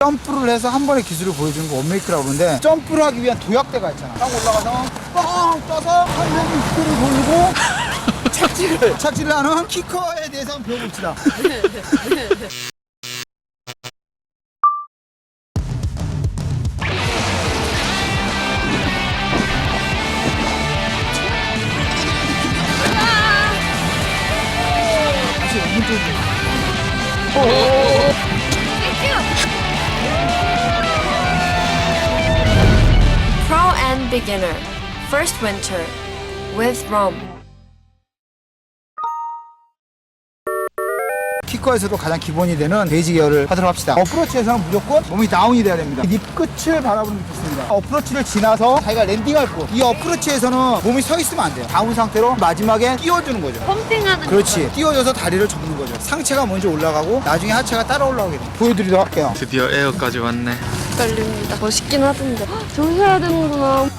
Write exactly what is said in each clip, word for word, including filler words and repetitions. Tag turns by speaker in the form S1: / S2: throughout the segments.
S1: 점프를 해서 한 번의 기술을 보여주는 거 원메이크라고 그러는데, 점프를 하기 위한 도약대가 있잖아. 딱 올라가서 뻥 떠서 한 몸 육두를 돌리고 착지를 착지를 하는 키커에 대해서 한번 배워봅시다. 다시 오른쪽으로.
S2: Pro and Beginner First Winter with Rom.
S1: 키커에서도 가장 기본이 되는 베이지 기어를 하도록 합시다. 어프로치에서는 무조건 몸이 다운이 돼야 됩니다. 립 끝을 바라보는 게 좋습니다. 어프로치를 지나서 자기가 랜딩할 곳, 이 어프로치에서는 몸이 서 있으면 안 돼요. 다운 상태로 마지막에 띄워주는 거죠.
S2: 펌핑하는
S1: 그렇지. 띄워줘서 다리를 접는 거죠. 상체가 먼저 올라가고 나중에 하체가 따라 올라오게 돼요. 보여드리도록 할게요.
S3: 드디어 에어까지 왔네.
S2: 걸립니다. 멋있긴 하던데. 저기서 해야 되는구나.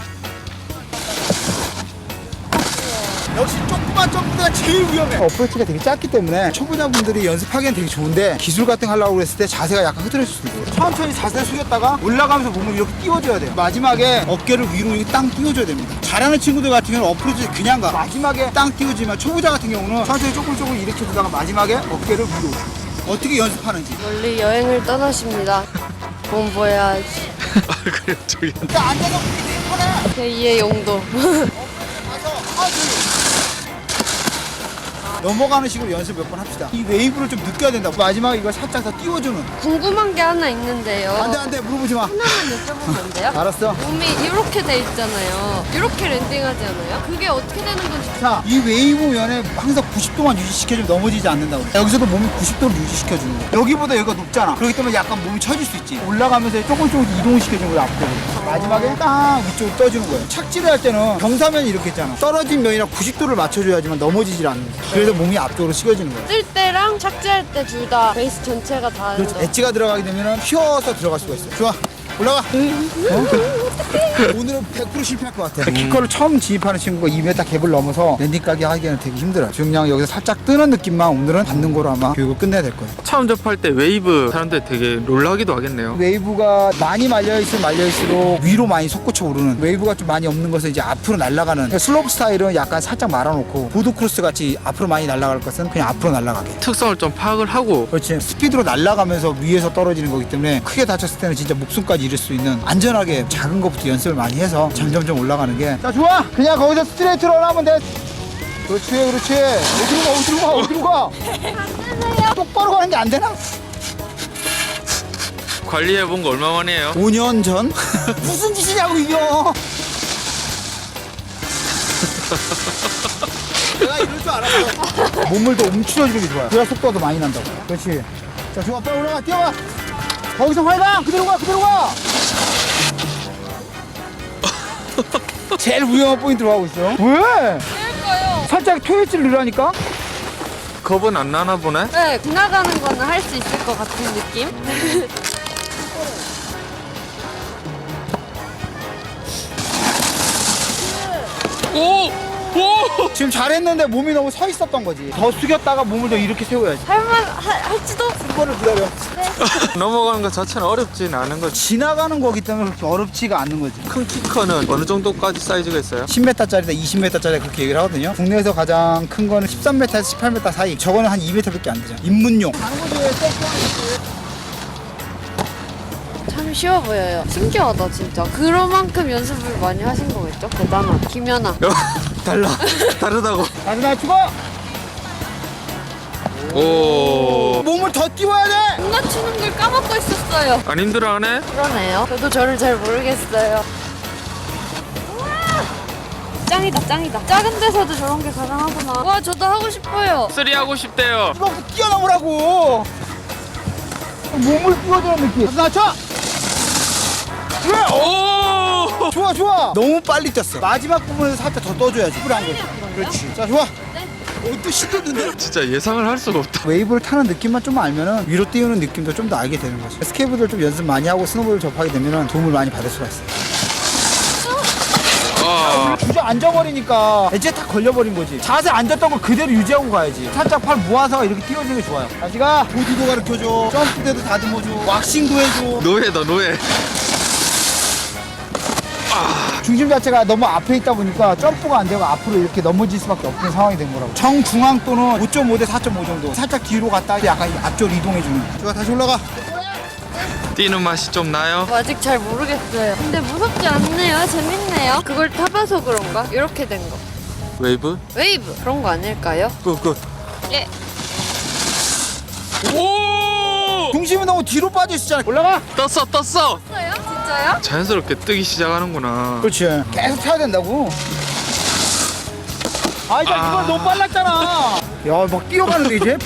S1: 역시 조그만 점프가 제일 위험해. 어프로치가 되게 짧기 때문에 초보자분들이 연습하기엔 되게 좋은데, 기술 같은 거 하려고 그랬을 때 자세가 약간 흐트러질 수 있어요. 천천히 자세를 숙였다가 올라가면서 몸을 이렇게 띄워줘야 돼요. 마지막에 어깨를 위로 이렇게 땅 띄워줘야 됩니다. 잘하는 친구들 같은 경우는 어프로치 그냥 가. 마지막에 땅 띄워주지만 초보자 같은 경우는 천천히 조금 조금 이렇게 두다가 마지막에 어깨를 위로. 어떻게 연습하는지.
S2: 멀리 여행을 떠나십니다. 공부해야지.
S3: 아 그래 저기.
S1: 그러니까 앉아서 되게 편해.
S2: 제이의 용도.
S1: 가서 하지. 넘어가는 식으로 연습 몇 번 합시다. 이 웨이브를 좀 느껴야 된다. 마지막에 이걸 살짝 더 띄워주는.
S2: 궁금한 게 하나 있는데요.
S1: 안돼 안돼 물어보지 마.
S2: 하나만 여쭤보면 안 돼요?
S1: 알았어.
S2: 몸이 이렇게 돼 있잖아요. 이렇게 랜딩하지 않아요? 그게 어떻게 되는 건지.
S1: 자, 이 웨이브 면에 항상 구십 도만 유지시켜주면 넘어지지 않는다고. 여기서도 몸이 구십 도를 유지시켜주는 거야. 여기보다 여기가 높잖아. 그렇기 때문에 약간 몸이 처질 수 있지. 올라가면서 조금 조금 이동을 시켜주는 거야, 앞으로. 마지막에 딱 위쪽으로 떠주는 거예요. 착지를 할 때는 경사면이 이렇게 있잖아. 떨어진 면이랑 구십 도를 맞춰줘야지만 넘어지질 않는 거야. 그래서 몸이 앞쪽으로 식어지는 거야.
S2: 뜰 때랑 착지할 때 둘 다 베이스 전체가 다른
S1: 그렇지.
S2: 거.
S1: 엣지가 들어가게 되면 휘어서 들어갈 수가 있어. 좋아. 올라가. 어? 오늘은 백 퍼센트 실패할 것 같아. 키커를 처음 진입하는 친구가 이 미터 갭을 넘어서 랜딩 가게 하기에는 되게 힘들어요. 그냥 여기서 살짝 뜨는 느낌만 오늘은 받는 거로 아마 교육을 끝내야 될 거예요.
S3: 처음 접할 때 웨이브 사람들 되게 놀라기도 하겠네요.
S1: 웨이브가 많이 말려있으면 말려있을수록 위로 많이 솟구쳐 오르는, 웨이브가 좀 많이 없는 것은 이제 앞으로 날아가는, 슬로프 스타일은 약간 살짝 말아놓고 보드크로스 같이 앞으로 많이 날아갈 것은 그냥 앞으로 날아가게.
S3: 특성을 좀 파악을 하고.
S1: 그렇지. 스피드로 날아가면서 위에서 떨어지는 거기 때문에 크게 다쳤을 때는 진짜 목숨까지 잃을 수 있는, 안전하게 작은 것부터 연습을 많이 해서 점점점 올라가는 게. 자, 좋아. 그냥 거기서 스트레이트로 하면 돼. 그렇지 그렇지. 어디로 가 어디로 가 어디로 가. 똑바로 가는 게 안 되나?
S3: 관리해본 거 얼마 만이에요?
S1: 오 년 전? 무슨 짓이냐고 이거. 내가 이럴 줄 알았어. 몸을 더 움츠러주는 게 좋아요. 그래야 속도가 더 많이 난다고. 그렇지. 자, 좋아. 빨리 올라가. 뛰어가. 거기서 활강. 그대로 가 그대로 가. 제일 위험한 포인트로 가고 있어. 왜?
S2: 왜일까요?
S1: 살짝 토요일을 넣으라니까?
S3: 겁은 안 나나 보네?
S2: 네, 지나가는 거는 할 수 있을 것 같은 느낌?
S3: 오! 오!
S1: 지금 잘했는데 몸이 너무 서 있었던 거지. 더 숙였다가 몸을 더 이렇게 세워야지.
S2: 할만, 할, 할지도?
S1: 한 번을 기다려.
S3: 넘어가는 것 자체는 어렵진 않은 거지.
S1: 지나가는 거기 때문에 그렇게 어렵지가 않는 거지.
S3: 큰 키커는 어느 정도까지 사이즈가 있어요?
S1: 십 미터짜리다 이십 미터짜리 그렇게 얘기를 하거든요. 국내에서 가장 큰 거는 십삼 미터에서 십팔 미터 사이. 저거는 한 이 미터밖에 안 되죠. 입문용.
S2: 참 쉬워 보여요. 신기하다, 진짜. 그만큼 연습을 많이 하신 거겠죠? 대단하다. 김연아.
S3: 달라. 다르다고.
S1: 다시 나 죽어.
S3: 오.
S1: 몸을 더 띄워야 돼.
S2: 못 맞추는 걸 까먹고 있었어요.
S3: 안 힘들어하네?
S2: 그러네요. 저도 저를 잘 모르겠어요. 우와! 짱이다, 짱이다. 작은 데서도 저런 게 가능하구나. 와, 저도 하고 싶어요.
S3: 쓰리 하고 싶대요.
S1: 이거부터 뛰어넘으라고. 몸을 띄워주는 느낌. 다시 낮춰. 그래.
S3: 오!
S1: 좋아 좋아. 너무 빨리 뛰었어. 마지막 부분에서 살짝 더 떠줘야지. 뿔한 거지. 그렇지. 자, 좋아. 어, 또 시켰는데?
S3: 진짜 예상을 할 수가 없다.
S1: 웨이브를 타는 느낌만 좀 알면은 위로 띄우는 느낌도 좀 더 알게 되는 거지. 스케이트를 좀 연습 많이 하고 스노보드를 접하게 되면은 도움을 많이 받을 수가 있어요.
S3: 아.
S1: 주저 앉아버리니까 이제 다 걸려버린 거지. 자세 앉았던 거 그대로 유지하고 가야지. 살짝 팔 모아서 이렇게 띄워주는 게 좋아요. 다시 가. 보드도 가르쳐줘. 점프대도 다듬어줘. 왁싱도 해줘.
S3: 노예다 노예.
S1: 중심 자체가 너무 앞에 있다 보니까 점프가 안 되고 앞으로 이렇게 넘어질 수밖에 없는 상황이 된 거라고. 정중앙도는 오 점 오 대 사 점 오 정도. 살짝 뒤로 갔다 약간 앞쪽으로 이동해주는. 좋아, 다시 올라가.
S3: 뛰는 맛이 좀 나요?
S2: 뭐 아직 잘 모르겠어요. 근데 무섭지 않네요. 재밌네요. 그걸 타봐서 그런가? 이렇게 된 거.
S3: 웨이브?
S2: 웨이브 그런 거 아닐까요?
S1: 그, 그.
S2: 예.
S3: 오!
S1: 중심이 너무 뒤로 빠져 있었잖아. 올라가.
S3: 떴어 떴어.
S2: 진짜요? 진짜요?
S3: 자연스럽게 뜨기 시작하는구나.
S1: 그렇지. 계속 타야 된다고. 아, 이제
S3: 아.
S1: 이거 너무 빨랐잖아. 야, 막 뛰어가는데 이제.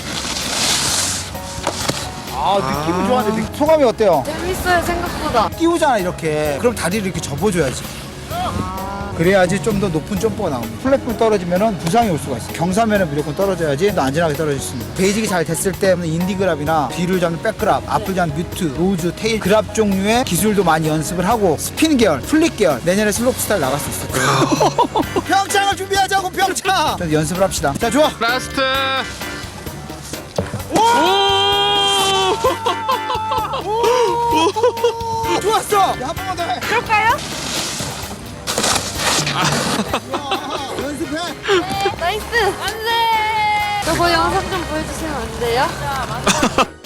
S1: 아, 느낌은 좋았는데 느- 소감이 어때요?
S2: 재밌어요 생각보다.
S1: 띄우잖아 이렇게. 그럼 다리를 이렇게 접어줘야지. 그래야지 좀 더 높은 점프가 나옵니다. 플랫폼 떨어지면 부상이 올 수가 있어. 경사면은 무조건 떨어져야지 더 안전하게 떨어질 수 있습니다. 베이직이 잘 됐을 때 인디그랍이나 뒤를 잡는 백그랍, 앞을 잡는 뮤트, 로즈, 테일 그랍 종류의 기술도 많이 연습을 하고 스핀 계열, 플립 계열 내년에 슬로프 스타일 나갈 수 있어요. 평창을 준비하자고 평창. 자, 연습을 합시다. 자, 좋아.
S3: 라스트.
S1: 오!
S3: 오!
S1: 좋았어. 야, 한 번만 더 해.
S2: 그럴까요?
S1: 야, 연습해.
S2: 나이스. 안돼. 저거 영상 좀 보여주시면 안 돼요?